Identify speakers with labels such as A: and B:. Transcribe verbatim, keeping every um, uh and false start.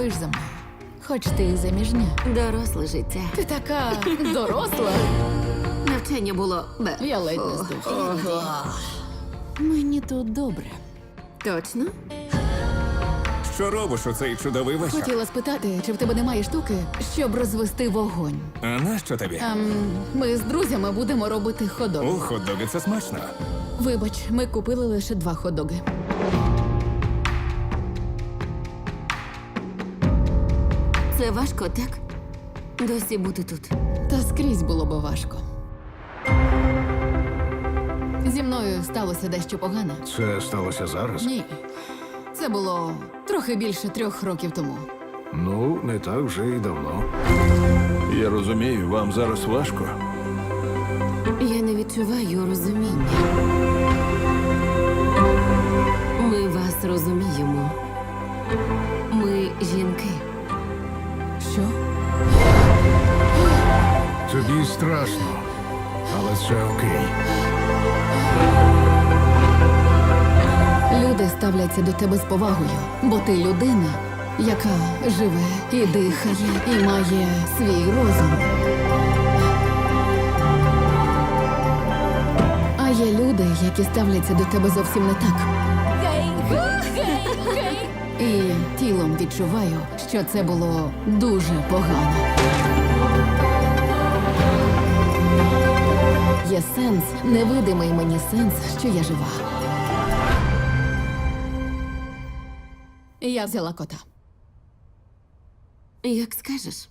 A: сумуєш за мною. Хоч ти і заміжня.
B: Доросле життя.
A: Ти така доросла.
B: Навчання було бе.
A: Я ледь не
B: Фу.
A: здохла. Мені тут добре.
B: Точно?
C: Що робиш у цей чудовий вечір?
A: Хотіла спитати, чи в тебе немає штуки, щоб розвести вогонь.
C: А нащо тобі?
A: Ем, ми з друзями будемо робити
C: У
A: хот-дог.
C: хот-доги це смачно.
A: Вибач, ми купили лише два хот-доги.
B: Це важко, так? Досі бути тут.
A: Та скрізь було би важко. Зі мною сталося дещо погане.
D: Це сталося зараз?
A: Ні. Це було трохи більше трьох років тому.
D: Ну, не так вже і давно.
E: Я розумію, вам зараз важко.
B: Я не відчуваю розуміння. Ми вас розуміємо. Ми жінки.
A: Що?
D: Тобі страшно, але це окей.
A: Люди ставляться до тебе з повагою, бо ти людина, яка живе і дихає, і має свій розум. А є люди, які ставляться до тебе зовсім не так. І тілом відчуваю, що це було дуже погано. Є сенс, невидимий мені сенс, що я жива. Я взяла кота.
B: Як скажеш.